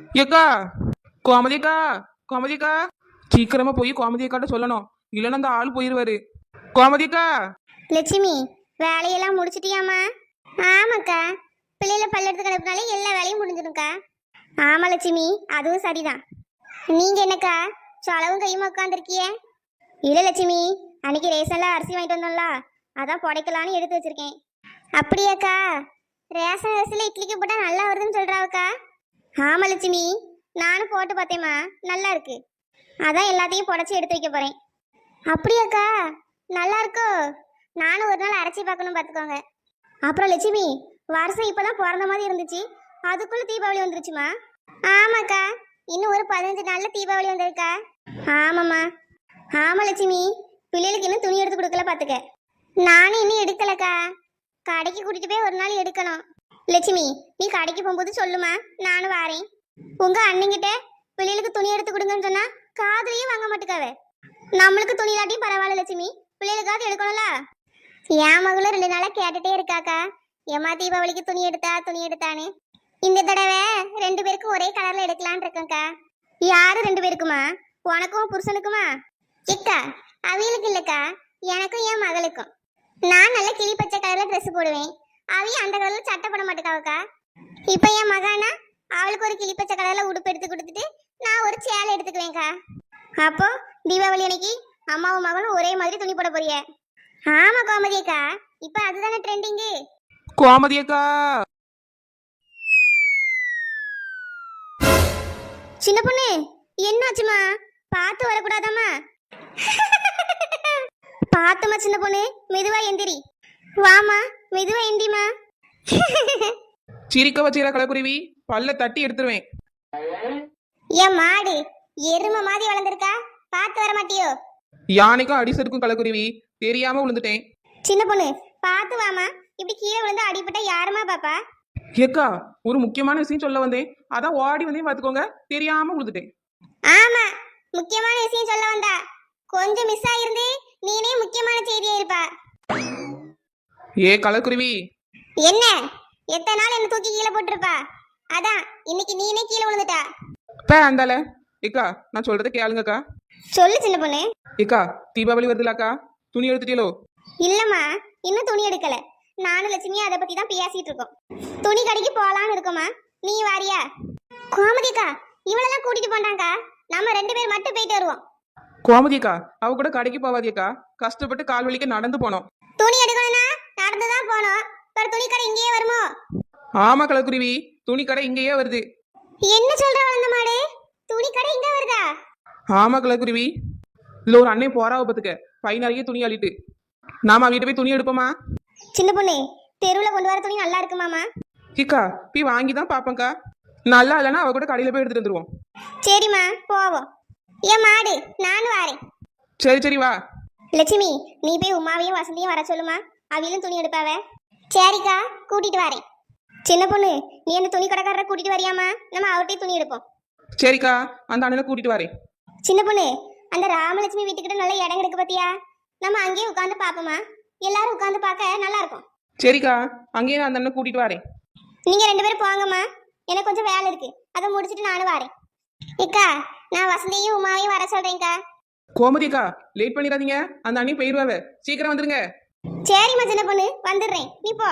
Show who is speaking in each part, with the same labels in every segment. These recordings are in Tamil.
Speaker 1: ஏக்கா, கோமதி அக்கா, கோமதி அக்கா, சீக்கிரமா போய் கோமதி அக்காட்ட சொல்லணும். இல்லைன்னா அந்த ஆள் போயிருவாரு. கோமதி அக்கா.
Speaker 2: லட்சுமி, வேலையெல்லாம் முடிச்சிட்டியாம்மா? ஆமாக்கா, பிள்ளைல பல்லெடுத்து கிடப்புனாலே எல்லா வேலையும் முடிஞ்சிடும்க்கா. ஆமா லட்சுமி, அதுவும் சரிதான். நீங்க என்னக்கா சொலவும் கையுமா உட்காந்துருக்கிய? இல்ல லட்சுமி, அன்னைக்கு ரேஷன்ல அரிசி வாங்கிட்டு வந்தோம்ல, அதான் புடைக்கலான்னு எடுத்து வச்சிருக்கேன். அப்படியாக்கா? ரேஷன் அரிசியில இட்லிக்கு போட்டா நல்லா வருதுன்னு சொல்றாவுக்கா. ஆமா லட்சுமி, நானும் போட்டு பார்த்தேம்மா, நல்லா இருக்கு. அதான் எல்லாத்தையும் புடைச்சி எடுத்து வைக்க போறேன். அப்படியாக்கா? நல்லா இருக்கோ? நானும் ஒரு நாள் அரைச்சி பார்க்கணும் பார்த்துக்கோங்க. அப்புறம் லட்சுமி, வருஷம் இப்பதான் பிறந்த மாதிரி இருந்துச்சு, அதுக்குள்ள தீபாவளி வந்துருச்சுமா? ஆமாக்கா, இன்னும் ஒரு 15 நாள்ல தீபாவளி வந்திருக்கா. ஆமாம்மா. ஆமா லட்சுமி, பிள்ளைகளுக்கு இன்னும் துணி எடுத்து கொடுக்கல பார்த்துக்க. நானும் இன்னும் எடுக்கலக்கா, கடைக்கு கூட்டிட்டு போய் ஒரு நாள் எடுக்கணும். லட்சுமி, நீ கடைக்கு போகும்போது சொல்லுமா, நானும் வாரேன். உங்க அண்ணங்கிட்ட பிள்ளைகளுக்கு துணி எடுத்து கொடுங்கன்னு சொன்னா காதுலயும் வாங்க மாட்டுக்காவே. நம்மளுக்கு துணி இல்லாட்டியும் பரவாயில்ல லட்சுமி, பிள்ளைகளுக்காவது எடுக்கணும்ல. என் மகளும் 2 நாளா கேட்டுட்டே இருக்காக்கா, ஏமா தீபாவளிக்கு துணி எடுத்தா துணி எடுத்தான்னு. இந்த தடவை 2 பேருக்கும் ஒரே கலர்ல எடுக்கலான் இருக்கேன்க்கா. யாரு 2 பேருக்குமா? உனக்கும் புருஷனுக்குமா? இக்கா, அவியலுக்கு இல்லக்கா, எனக்கும் என் மகளுக்கும். நான் நல்ல கிளி பச்சை கலர்ல ட்ரெஸ் போடுவேன், அவிய அந்த கலர்ல சட்டை போட மாட்டேக்காவக்கா. இப்ப என் மகானா அவளுக்கு ஒரு கிளி பச்சை கலர்ல உடுப்பு எடுத்து கொடுத்துட்டு நான் ஒரு சேலை எடுத்துக்குவேன்க்கா. அப்போ தீபாவளி அன்னைக்கு அம்மாவும் மகனும் ஒரே மாதிரி துணி போட போறிய? ஆமா கோமதி அக்கா, இப்ப அதுதானே ட்ரெண்டிங்கு.
Speaker 1: கோமதி அக்கா.
Speaker 2: சின்ன பொண்ணு, என்னாச்சுமா? பார்த்து வரக்கூடாதாம்மா? பார்த்துமா சின்ன பொண்ணு, மெதுவா எந்திரி. வாமா, மெதுவா எந்திரிமா.
Speaker 1: சிரிக்க வச்சிர கலக்குருவி, பல்ல தட்டி எடுத்துருவேன்.
Speaker 2: என் மாடு எருமை மாதிரி வளர்ந்துருக்கா, பார்த்து வர மாட்டியோ?
Speaker 1: யானைக்கும் அடி செருக்கும் கலக்குருவி, தெரியாம விழுந்துட்டேன்.
Speaker 2: சின்ன பொண்ணு, பார்த்து வாமா, இப்படி கீழே விழுந்து அடிபட்டா யாருமா பாப்பா?
Speaker 1: ஏக்கா, ஒரு முக்கியமான விஷயம் சொல்ல வந்தேன், அதான் ஓடி வந்தேன் பாத்துக்கோங்க, தெரியாம விழுந்துட்டேன்.
Speaker 2: ஆமா, முக்கியமான விஷயம் சொல்ல வந்தா, கொஞ்சம் மிஸ் ஆயிருந்து நீனே முக்கியமான செய்தியா இருப்பா.
Speaker 1: ஏ கலக்குருவி.
Speaker 2: என்ன? எத்தனை நாள் என்ன தூக்கி கீழே போட்டிருப்பா, அதான் இன்னைக்கு நீனே கீழே விழுந்துட்டா.
Speaker 1: அந்தால ஏக்கா, நான் சொல்றதை கேளுங்கக்கா.
Speaker 2: சொல்லு சின்ன பொண்ணு.
Speaker 1: ஏக்கா, தீபாவளி வருதுலாக்கா, துணி எடுத்துட்டீங்களோ?
Speaker 2: இல்லம்மா, இன்னும் துணி எடுக்கல. நானும் லட்சுமியும் அதை பத்தி தான் பேசிட்டு இருக்கோம். துணி கடைக்கு போலான்னு இருக்கோமா, நீ வாரியா? கோமதிக்கா, இவளெல்லாம் கூட்டிட்டு போண்டாங்கக்கா, நம்ம 2 பேர் மட்டும் போயிட்டு வருவோம்.
Speaker 1: கோமதிக்கா, அவ கூட கடைக்கு போவாதியக்கா, கஷ்டப்பட்டு கால் வலிக்க நடந்து போனோம்.
Speaker 2: துணி எடுக்கணும்னா நடந்துதான் போனோம், ஒரு துணி கடை இங்கேயே வருமோ?
Speaker 1: ஆமா கலக்குருவி, துணி கடை இங்கேயே வருது.
Speaker 2: என்ன சொல்ற வளர்ந்த மாடு, துணி கடை இங்க வருதா?
Speaker 1: ஆமா கலக்குருவி, இதுல ஒரு அன்னை போறாவ பத்துக்க, பை நிறைய துணி அள்ளிட்டு. நாம வீட்டு போய் துணி எடுப்போமா?
Speaker 2: சின்ன பொண்ணு, தெருவில் கொண்டு வர துணி நல்லா இருக்குமாமா?
Speaker 1: கிக்கா, போய் வாங்கி தான் பாப்பேங்க்கா, நல்லா இல்லைன்னா அவ கூட கடையில போய் எடுத்துட்டு வந்துருவோம்.
Speaker 2: சரிம்மா, போவோம். ஏன் மாடு, நானும் வாரேன்.
Speaker 1: சரி சரி வா.
Speaker 2: லட்சுமி, நீ போய் உமாவையும் வசந்தியும் வர சொல்லுமா, அவிலும் துணி எடுப்பாவ. சரிக்கா, கூட்டிட்டு வரேன். சின்ன பொண்ணு, நீ அந்த துணி கடைக்காரரை கூட்டிட்டு வரியாமா, நம்ம அவர்கிட்டயே துணி எடுப்போம்.
Speaker 1: சரிக்கா, அந்த அண்ணனை கூட்டிட்டு வரேன்.
Speaker 2: சின்ன பொண்ணு, அந்த ராமலட்சுமி வீட்டுக்கிட்ட நல்ல இடம் கிடக்கு பத்தியா, நம்ம அங்கேயே உட்காந்து பாப்போமா, எல்லாரும் உட்காந்து பார்க்க நல்லா இருக்கும்.
Speaker 1: சரிக்கா, அங்கேயே நான் அந்த அண்ணனை கூட்டிட்டு வரேன்.
Speaker 2: நீங்க 2 பேரும் போங்கம்மா, எனக்கு கொஞ்சம் வேலை இருக்கு, அதை முடிச்சிட்டு நானும் வரேன். இக்கா, நான் வசந்தியும் உமாவையும் வர சொல்றேன்க்கா.
Speaker 1: கோமதிக்கா, லேட் பண்ணிடாதீங்க, அந்த அண்ணி போயிருவாவ, சீக்கிரம் வந்துருங்க.
Speaker 2: சரிம்மா சின்ன பொண்ணு, வந்துடுறேன், நீ போ.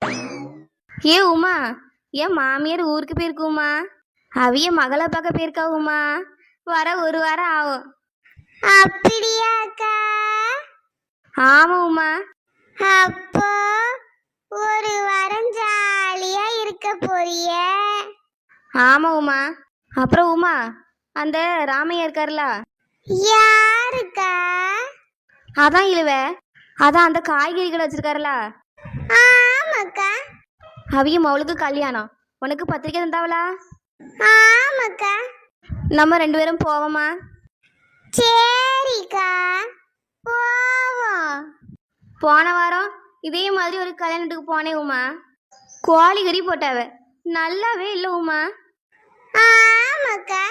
Speaker 3: ஏ உமா, என் மாமியார் ஊருக்கு போயிருக்குமா, அவிய மகளை பார்க்க போயிருக்கா உமா, வர 1 வாரம் ஆகும்.
Speaker 2: அப்படியா அக்கா?
Speaker 3: ஆமா உமா.
Speaker 2: அப்போ 1 வாரம் ஜாலியா இருக்க போறிய?
Speaker 3: ஆமா உமா. அப்புறம் உமா, அந்த ராமையா இருக்காருல,
Speaker 2: யாருக்கா?
Speaker 3: அதான் இழுவ, அதான் அந்த காய்கறி கடை வச்சிருக்காருல,
Speaker 2: ஆமாக்கா.
Speaker 3: அவிய மவளுக்கு கல்யாணம், உனக்கு பத்திரிக்கை தந்தாவளா?
Speaker 2: ஆமாக்கா.
Speaker 3: நம்ம 2 பேரும் போவோமா?
Speaker 2: சரிக்கா, போவோம்.
Speaker 3: போன வாரம் இதே மாதிரி ஒரு கல்யாணத்துக்கு போனேன் உமா, கோழி கறி போட்டாவ, நல்லாவே இல்லை உமா.
Speaker 2: ஆமாக்கா,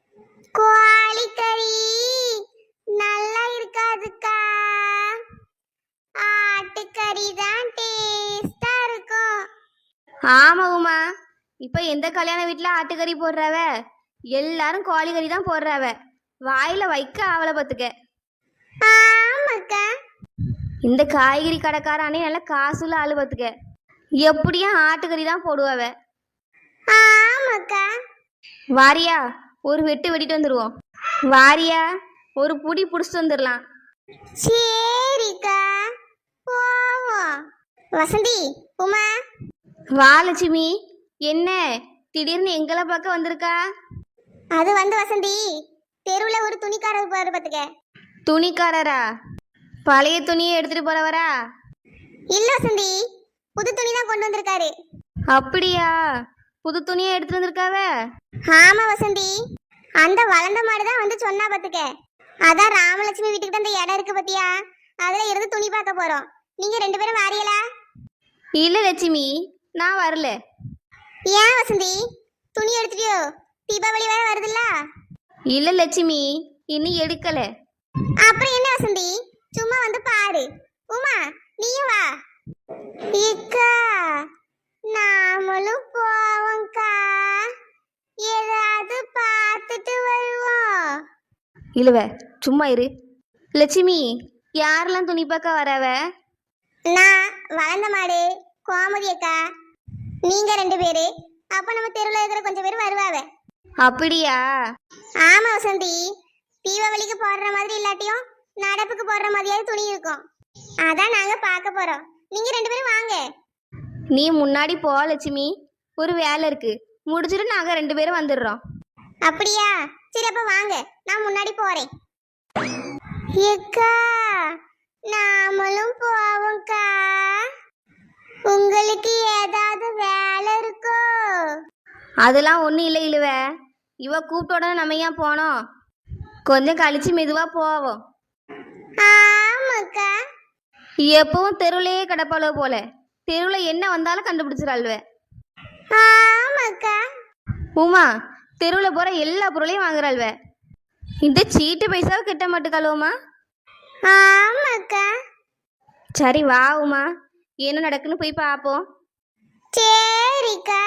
Speaker 2: கோழிக்கறி நல்லா இருக்காதுக்கா, ஆட்டுக்கறி தான் டேஸ்டா இருக்கும்.
Speaker 3: ஆமா உமா, இப்போ எந்த கல்யாண வீட்டில் ஆட்டுக்கறி போடுறாவ? எல்லாரும் கோழி கறி தான் போடுறாவ. வாயில வைக்க ஆவலை பார்த்துக்க.
Speaker 2: ஆமாக்கா.
Speaker 3: இந்த காய்கறி கடைக்காரானே நல்லா காசுள்ள ஆளு பார்த்துக்க. எப்படியும் ஆட்டுக்கறி தான் போடுவாவ.
Speaker 2: ஆமாக்கா.
Speaker 3: வாரியா, ஒரு வெட்டு வெட்டிட்டு வந்துடுவோம். வாரியா, ஒரு புடி பிடிச்சிட்டு வந்துடலாம்.
Speaker 2: சரிக்கா, போவோம். வசந்தி, உமா.
Speaker 3: வா லட்சுமி. என்ன திடீர்னு எங்களை பார்க்க வந்திருக்கா?
Speaker 2: அது வந்து வசந்தி, தெருவில் ஒரு துணிக்காரர் பாரு பார்த்துக்க.
Speaker 3: துணிக்காரரா? பழைய துணியை எடுத்துட்டு போறவரா?
Speaker 2: இல்ல வசந்தி, புது துணி தான் கொண்டு வந்திருக்காரு.
Speaker 3: அப்படியா? புது துணியை எடுத்துட்டு வந்திருக்காவ?
Speaker 2: ஆமா வசந்தி, அந்த வளர்ந்த மாடு தான் வந்து சொன்னா பார்த்துக்க. அதான் ராமலட்சுமி வீட்டுக்கு அந்த இடம் இருக்கு பத்தியா, அதுல இருந்து துணி பார்க்க போறோம். நீங்க 2 பேரும் வாரியலா?
Speaker 3: இல்ல லட்சுமி, நான் வரல.
Speaker 2: ஏன் வசந்தி, துணி எடுத்துட்டியோ? தீபாவளி வேற வருதுல்ல.
Speaker 3: இல்ல லட்சுமி, இன்னும் எடுக்கல.
Speaker 2: அப்புறம் என்ன வசந்தி, சும்மா வந்து பாரு. உமா, நீயும் வா. இக்கா, நாமளும் போவோம்க்கா, ஏதாவது பார்த்துட்டு வருவோம்.
Speaker 3: இல்லவ, சும்மா இரு. லட்சுமி, யாரெல்லாம் துணி பார்க்க வரவ?
Speaker 2: நான் வளர்ந்த மாடு, கோமதி அக்கா, நீங்க 2 பேரு. அப்ப நம்ம தெருவில் இருக்கிற கொஞ்சம் பேர் வருவாவ.
Speaker 3: அப்படியா?
Speaker 2: ஆமா வசந்தி, தீபாவளிக்கு போடுற மாதிரி இல்லாட்டியும் நடப்புக்கு போடுற மாதிரியாவது துணி இருக்கும். அதான் நாங்க பார்க்க போறோம். நீங்க 2 பேரும் வாங்க.
Speaker 3: நீ முன்னாடி போ லட்சுமி, ஒரு வேலை இருக்கு, முடிச்சுட்டு நாங்க 2 பேரும் வந்துடுறோம்.
Speaker 2: அப்படியா? சரி, அப்ப வாங்க, நான் முன்னாடி போறேன். ஏக்கா, நாமளும் போவோம்க்கா. உங்களுக்கு ஏதாவது வேலை இருக்கோ?
Speaker 3: அதெல்லாம் ஒன்றும் இல்லை இழுவ. இவ கூப்பிட்ட உடனே நம்ம ஏன் போனோம்? கொஞ்சம் கழிச்சு மெதுவா போவோம்.
Speaker 2: ஆமாக்கா.
Speaker 3: எப்பவும் தெருவுலையே கிடப்பாளோ போல, தெருவில் என்ன வந்தாலும் கண்டுபிடிச்சிடாள்வ.
Speaker 2: ஆமாக்கா.
Speaker 3: உமா, தெருவில் போகிற எல்லா பொருளையும் வாங்குறாள்வ. இந்த சீட்டு பைசாவை கிட்ட மாட்டுக்காளுவமா?
Speaker 2: ஆமாக்கா.
Speaker 3: சரி வா உமா, என்ன நடக்குன்னு போய் பார்ப்போம்.
Speaker 2: சரிக்கா.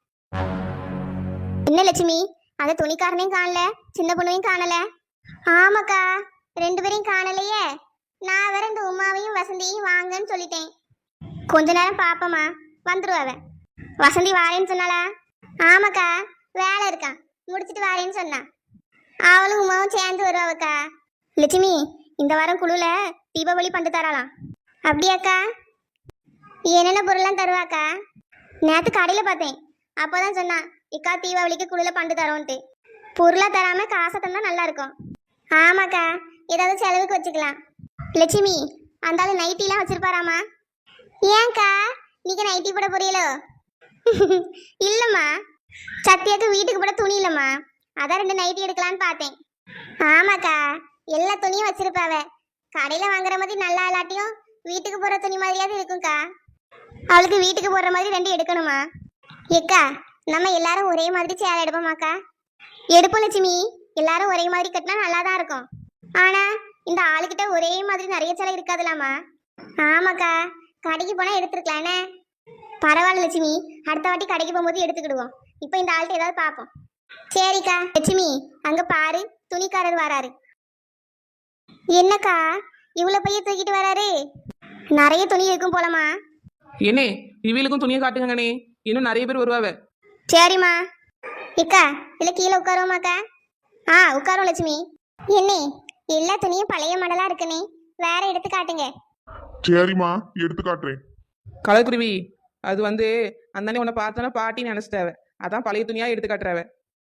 Speaker 2: என்ன லட்சுமி, அந்த துணிக்காரனையும் காணல, சின்ன பொண்ணையும் காணல. ஆமாக்கா, 2 பேரையும் காணலையே. நான் வேற இந்த உமாவையும் வசந்தியையும் வாங்கன்னு சொல்லிட்டேன். கொஞ்ச நேரம் பாப்பமா, வந்துருவாவ. வசந்தி வாரேன்னு சொன்னாளா? ஆமாக்கா, வேலை இருக்கான், முடிச்சிட்டு வாரேன்னு சொன்னா. அவளும் உமாவும் சேர்ந்து வருவாவக்கா. லட்சுமி, இந்த வாரம் குழுல தீபாவளி பண்டு தரலாம். அப்படியாக்கா? என்னென்ன பொருள்லாம் தருவாக்கா? நேற்று கடையில் பார்த்தேன், அப்போதான் சொன்னா இக்கா தீபாவளிக்கு குழுல பண்டு தரோன்ட்டு. பொருளாக தராம காசை தந்தா நல்லா இருக்கும். ஆமாக்கா, ஏதாவது செலவுக்கு வச்சுக்கலாம். லட்சுமி, அந்த ஆளு நைட்டிலாம் வச்சிருப்பாராமா? ஏன்க்கா, நீங்க நைட்டி போட போறீங்களோ? இல்லம்மா, சத்தியாக்கு வீட்டுக்கு போட துணி இல்லம்மா, அதான் 2 நைட்டி எடுக்கலான்னு பார்த்தேன். ஆமாக்கா, எல்லா துணியும் வச்சிருப்பாவ. கடையில வாங்குற மாதிரி நல்லா இல்லாட்டியும் வீட்டுக்கு போற துணி மாதிரியாவது இருக்கும்க்கா. அவளுக்கு வீட்டுக்கு போடுற மாதிரி 2 எடுக்கணுமா? ஏக்கா, நம்ம எல்லாரும் ஒரே மாதிரி சேலை எடுப்போமாக்கா? எடுப்போம் லட்சுமி, எல்லாரும் ஒரே மாதிரி கட்டினா நல்லா தான் இருக்கும். ஆனா இந்த ஆளுகிட்ட ஒரே மாதிரி நிறைய சேலை இருக்காதுலாமா? ஆமாக்கா, கடைக்கு போனா எடுத்துருக்கலானே. பரவாயில்ல லட்சுமி, அடுத்த வாட்டி கடைக்கு போகும்போது எடுத்துக்கிடுவோம். இப்போ இந்த ஆள்கிட்ட ஏதாவது பார்ப்போம். சரிக்கா. லட்சுமி, அங்க பாரு, துணிக்காரர் வராரு. என்னக்கா, இவ்வளவு பைய தூக்கிட்டு வராரு? நிறைய துணி இருக்கும் போலமா?
Speaker 1: என்னே, இவளுக்கும் துணியை காட்டுங்கண்ணே, இன்னும் நிறைய பேர் வருவாவ.
Speaker 2: சரிம்மா. இக்கா, இல்ல கீழே உட்காருவோமாக்கா? உட்காரும் லட்சுமி. என்னே, எல்லா துணியும் பழைய மாடலா இருக்குனே, வேற எடுத்து காட்டுங்க.
Speaker 4: சரிம்மா, எடுத்து காட்டுறேன்.
Speaker 1: கலக்குருவி, அது வந்து அந்தானே உன்னை பார்த்தோன்னா பாட்டி நினைச்சிட்டாவ, அதான் பழைய துணியா எடுத்து காட்டுறாவ.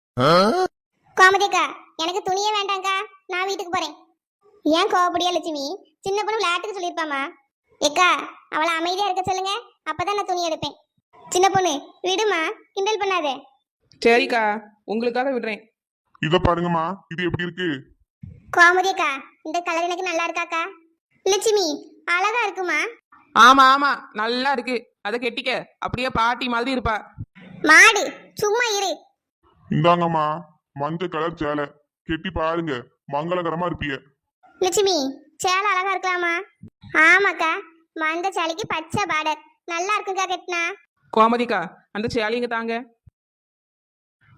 Speaker 2: கோமதிக்கா, எனக்கு துணியே வேண்டாங்க்கா, நான் வீட்டுக்கு போறேன். ஏன் கோவப்படியா லட்சுமி? சின்ன பொண்ணு விளையாட்டுக்கு சொல்லியிருப்பாமா. ஏக்கா, அவளை அமைதியா இருக்க சொல்லுங்க, அப்பதான் நான் துணி எடுப்பேன். சின்ன பொண்ணு, விடுமா, கிண்டல் பண்ணாதே.
Speaker 1: சரிக்கா, உங்களுக்காக விடுறேன்.
Speaker 4: இத பாருங்கம்மா, இது எப்படி இருக்கு?
Speaker 2: கோமதிக்கா, இந்த கலர் எனக்கு நல்லா இருக்காக்கா. லட்சுமி, அழகா இருக்குமா?
Speaker 1: ஆமா ஆமா, நல்லா இருக்கு. அதை கெட்டிக்க, அப்படியே பாட்டி மாதிரி இருப்பா.
Speaker 2: மாடு, சும்மா இரு.
Speaker 4: இந்தாங்கம்மா, மஞ்சள் கலர் சேலை, கெட்டி பாருங்க, மங்களகரமா இருப்பீங்க.
Speaker 2: லட்சுமி, சேலை அழகா இருக்கலாமா? ஆமாக்கா, மந்த சேலைக்கு பச்சை பார்டர் நல்லா இருக்குக்கா கட்டினா.
Speaker 1: கோமதிக்கா, அந்த சேலைங்க தாங்க.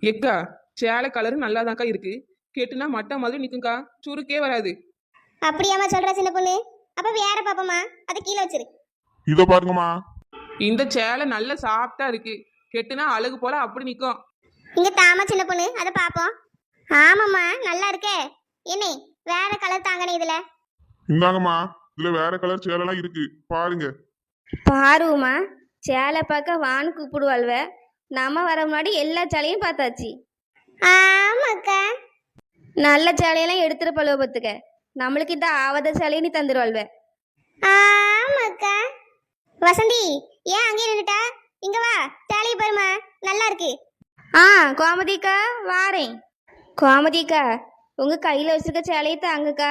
Speaker 1: எக்கா சேலை கலரு நல்லாதான்க்கா இருக்கு. கெட்டுனா மட்டை மாதிரி நிக்கும்க்கா, சுருக்கே வராது.
Speaker 2: அப்படியாம்மா சொல்ற சின்ன பொண்ணு? அப்ப வேற பாப்போமா, அதை கீழே வச்சிரு.
Speaker 4: இத பாருங்கம்மா.
Speaker 1: இந்த சேலை நல்ல சாஃப்டா இருக்கு. கெட்டுனா அழகு போல அப்படி நிக்கும்.
Speaker 2: இங்க தாமா சின்ன பொண்ணு, அதை பாப்போம். ஆமாம்மா நல்லா இருக்கே. என்ன வேற கலர் தாங்கனே இதுல?
Speaker 4: இந்தாங்கம்மா, இதுல வேற கலர் சேலைலாம் இருக்கு, பாருங்க.
Speaker 3: பாருமா, சேலை பார்க்க வான்னு கூப்பிடுவாள்வ. நம்ம வர முன்னாடி எல்லா சேலையும் பார்த்தாச்சு.
Speaker 2: ஆமாக்கா.
Speaker 3: நல்ல சேலையெல்லாம் எடுத்துட்டு பழுவ பத்துக்க. நம்மளுக்கு இந்த ஆவத சேலையை நீ தந்துடுவாள்வ.
Speaker 2: ஆமாக்கா. வசந்தி ஏன் அங்கே நின்னுட்டா? இங்க வா, சேலையை பாருமா, நல்லா இருக்கு.
Speaker 3: ஆ கோமதிக்கா வாரேன். கோமதிக்கா உங்க கையில வச்சிருக்க சேலையை தாங்கக்கா.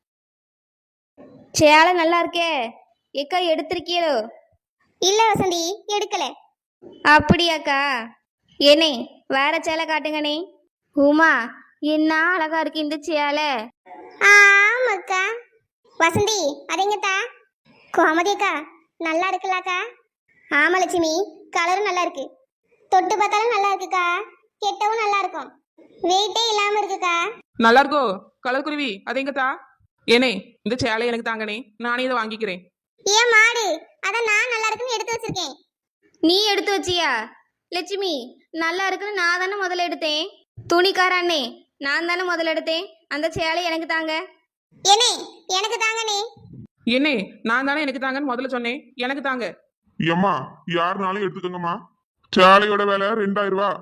Speaker 3: சேலை நல்லா இருக்கே. ஏக்கா எடுத்திருக்கீங்களோ?
Speaker 2: இல்ல வசந்தி, எடுக்கல.
Speaker 3: அப்படியாக்கா? ஏனே வேற சேலை காட்டுங்கண்ணே. உமா என்ன அழகா இருக்கு இந்த சேலை.
Speaker 2: ஆமாக்கா. வசந்தி அதெங்கத்தா? கோமதிக்கா நல்லா இருக்குல்லாக்கா? ஆமா லட்சுமி, கலரும் நல்லா இருக்கு. தொட்டு பார்த்தாலும் நல்லா இருக்குக்கா. கெட்டவும் நல்லா இருக்கும். வெயிட்டே இல்லாம இருக்குக்கா.
Speaker 1: நல்லா இருக்கோ கலர் குருவி? அதெங்கத்தா? ஏனே இந்த சேலை எனக்கு தாங்கனே, நானே இதை வாங்கிக்கிறேன்.
Speaker 2: ஏன் மாடு, அதான் நான் நல்லா இருக்குன்னு எடுத்து வச்சிருக்கேன்.
Speaker 3: நீ எடுத்து வச்சியா? லட்சுமி நல்லா இருக்குன்னு நான் தானே முதல்ல எடுத்தேன். துணிக்கார அண்ணே நான் தானே முதல்ல எடுத்தேன். அந்த சேலை எனக்கு தாங்க.
Speaker 2: ஏனே எனக்கு தாங்கனே.
Speaker 1: என்னே நான் தானே எனக்கு தாங்கன்னு முதல்ல சொன்னேன், எனக்கு தாங்க.
Speaker 4: ஏம்மா, யாருனாலும் எடுத்துக்கோங்கம்மா. சேலையோட விலை 2000 ரூபா.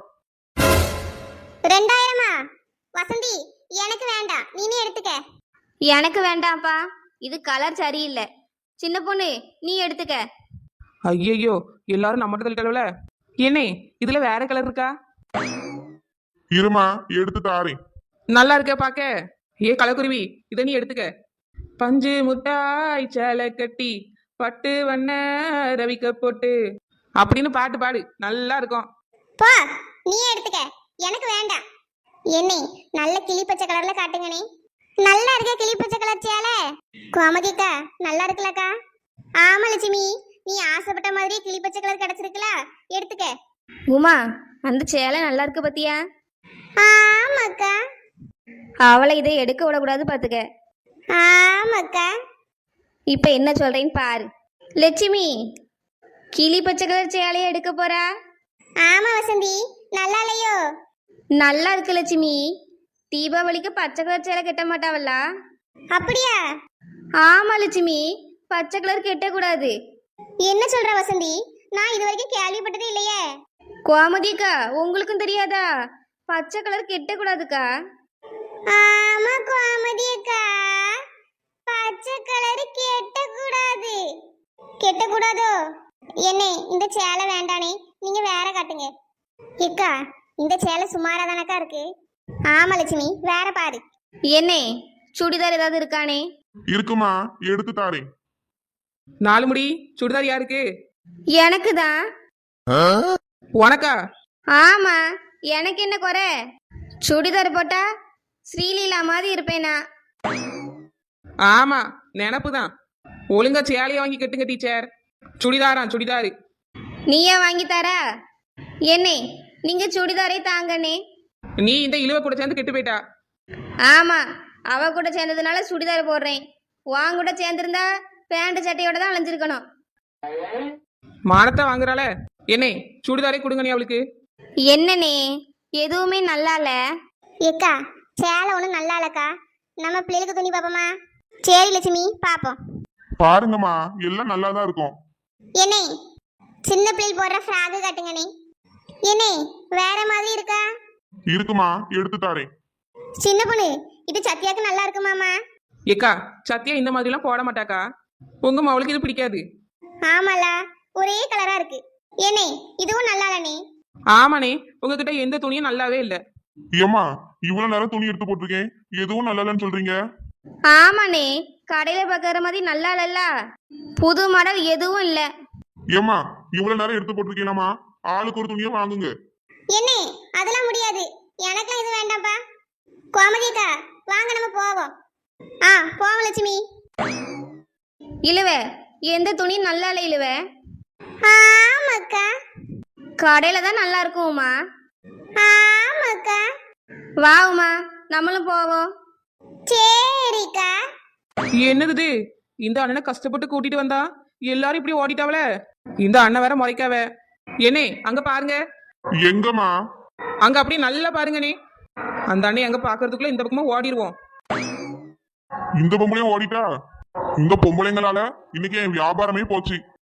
Speaker 2: 2000-ஆ? வசந்தி எனக்கு வேண்டாம், நீனே எடுத்துக்க.
Speaker 3: எனக்கு வேண்டாம்ப்பா, இது கலர் சரியில்லை. சின்ன பொண்ணு நீ எடுத்துக்க.
Speaker 1: ஐயையோ எல்லாரும் நம்மகிட்ட தள்ளிட்டளவுல. ஏனே இதுல வேற கலர் இருக்கா?
Speaker 4: இருமா, எடுத்து தாரேன்.
Speaker 1: நல்லா இருக்க பாக்க. ஏ கலக்குருவி, இதை நீ எடுத்துக்க. பஞ்சு முட்டாய் சேலை கட்டி பட்டு வண்ண ரவிக்க போட்டு அப்படின்னு பாட்டு பாடு, நல்லா இருக்கும்.
Speaker 2: போ, நீ எடுத்துக்க, எனக்கு வேண்டாம். என்னே நல்ல கிளிப்பச்சை கலர்ல காட்டுங்கனே. நல்லா இருக்க கிளிப்பச்சை கலர் சேலை. கோமதிக்கா நல்லா இருக்குல்லக்கா? ஆமா லட்சுமி, நீ ஆசைப்பட்ட மாதிரி கிளிப்பச்சை கலர் கிடைச்சிருக்குல, எடுத்துக்க.
Speaker 3: உமா அந்த சேலை நல்லா இருக்கு பத்தியா?
Speaker 2: ஆமாக்கா.
Speaker 3: அவளை இதை எடுக்க விடக்கூடாது பாத்துக்க.
Speaker 2: ஆமாக்கா.
Speaker 3: இப்ப என்ன சொல்றேன்னு பாரு. லட்சுமி கிளி பச்சை கலர் சேலையை எடுக்க போறா.
Speaker 2: ஆமா வசந்தி, நல்லா இல்லையோ?
Speaker 3: நல்லா இருக்கு லட்சுமி. தீபாவளிக்கு பச்சை கலர் சேலை கட்ட மாட்டாவல்ல?
Speaker 2: அப்படியா?
Speaker 3: ஆமா லட்சுமி, பச்சை கலர் கட்டக்கூடாது.
Speaker 2: என்ன சொல்ற வசந்தி? நான் இது வரைக்கும் கேள்விப்பட்டதே இல்லையே.
Speaker 3: கோமதிக்கா உங்களுக்கும் தெரியாதா? பச்சை கலர் கட்டக்கூடாதுக்கா.
Speaker 2: ஆமா கோமதிக்கா, பச்சை கலர் கெட்டக்கூடாது. கெட்டக்கூடாதோ? என்னே இந்த சேலை வேண்டானே, நீங்க வேற காட்டுங்க. ஏக்கா இந்த சேலை சுமாரா தானக்கா இருக்கு. ஆமா லட்சுமி, வேற பாரு.
Speaker 3: என்னே சுடிதார் ஏதாவது இருக்கானே?
Speaker 4: இருக்குமா, எடுத்து தாரேன்.
Speaker 1: 4 முடி சுடிதார் யாருக்கு?
Speaker 3: எனக்கு தான்.
Speaker 1: உனக்கா?
Speaker 3: ஆமா, எனக்கு என்ன குறை? சுடிதார் போட்டா ஸ்ரீலீலா மாதிரி இருப்பேனா?
Speaker 1: ஆமா நினப்பு தான். ஒழுங்கா சேலையை வாங்கி கட்டுங்க டீச்சர். சுடிதாராம் சுடிதாரு.
Speaker 3: நீயே வாங்கி தரா? என்னே நீங்க சுடிதாரே தாங்கண்ணே.
Speaker 1: நீ இந்த இழுவை கூட சேர்ந்து கெட்டு போயிட்டா.
Speaker 3: ஆமா, அவ கூட சேர்ந்ததுனால சுடிதார் போடுறேன். வாங்க கூட சேர்ந்திருந்தா பேண்ட் சட்டையோட தான் அலைஞ்சிருக்கணும்.
Speaker 1: மானத்தை வாங்குறாள. என்னே சுடிதாரே கொடுங்க நீ அவளுக்கு.
Speaker 3: என்னண்ணே எதுவுமே நல்லா இல்ல.
Speaker 2: ஏக்கா சேலை ஒன்றும் நல்லா இல்லக்கா. நம்ம பிள்ளைகளுக்கு துணி பார்ப்போமா? சரி லட்சுமி பாப்போம்.
Speaker 4: பாருங்கம்மா, எல்லாம் நல்லா தான் இருக்கும்.
Speaker 2: என்னே சின்ன பிள்ளை போடுற ஃப்ராகு காட்டுங்கண்ணே. என்னே வேற மாதிரி இருக்கா?
Speaker 4: இருக்குமா, எடுத்து தாரேன்.
Speaker 2: சின்ன பொண்ணு இது சத்யாக்கு நல்லா இருக்குமாமா?
Speaker 1: ஏக்கா சத்தியா இந்த மாதிரிலாம் போட மாட்டாக்கா. உங்க மவளுக்கு இது பிடிக்காது.
Speaker 2: ஆமால, ஒரே கலரா இருக்கு. ஏனே இதுவும் நல்லா இல்லனே.
Speaker 1: ஆமாண்ணே, உங்ககிட்ட எந்த துணியும் நல்லாவே இல்ல.
Speaker 4: ஏம்மா, இவ்வளவு நேரம் துணி எடுத்து போட்டிருக்கேன், எதுவும் நல்லா இல்லைன்னு சொல்றீங்க?
Speaker 3: ஆமாண்ணே, கடையில பார்க்கற மாதிரி நல்லா இல்லல்ல. புது மாடல் எதுவும் இல்ல.
Speaker 4: ஏம்மா, இவ்வளவு நேரம் எடுத்து போட்டிருக்கீங்களாமா? ஆளுக்கு ஒரு துணியை வாங்குங்க.
Speaker 2: என்னே அதெல்லாம் முடியாது, எனக்குலாம் இது வேண்டாம்ப்பா. கோமதிக்கா வாங்க நம்ம போவோம். போவோம் லட்சுமி.
Speaker 3: இழுவ எந்த துணி நல்லா இல்ல இழுவ.
Speaker 2: ஆமாக்கா.
Speaker 3: கடையில தான் நல்லா இருக்கும்மா.
Speaker 2: ஆமாக்கா.
Speaker 3: வா உமா நம்மளும் போவோம்.
Speaker 2: சரிக்கா.
Speaker 1: என்னது இது? இந்த அண்ணனை கஷ்டப்பட்டு கூட்டிட்டு வந்தா எல்லாரும் இப்படி ஓடிட்டாவல. இந்த அண்ணன் வேற முறைக்காவ. என்னே அங்க பாருங்க,
Speaker 4: எங்கம்மா?
Speaker 1: அங்க அப்படியே நல்லா பாருங்கண்ணே. அந்த அண்ணன் அங்க பாக்குறதுக்குள்ள இந்த பக்கமா ஓடிடுவோம்.
Speaker 4: இந்த பொம்பளையும் ஓடிட்டா? இந்த பொம்பளைங்களால இன்னைக்கு என் வியாபாரமே போச்சு.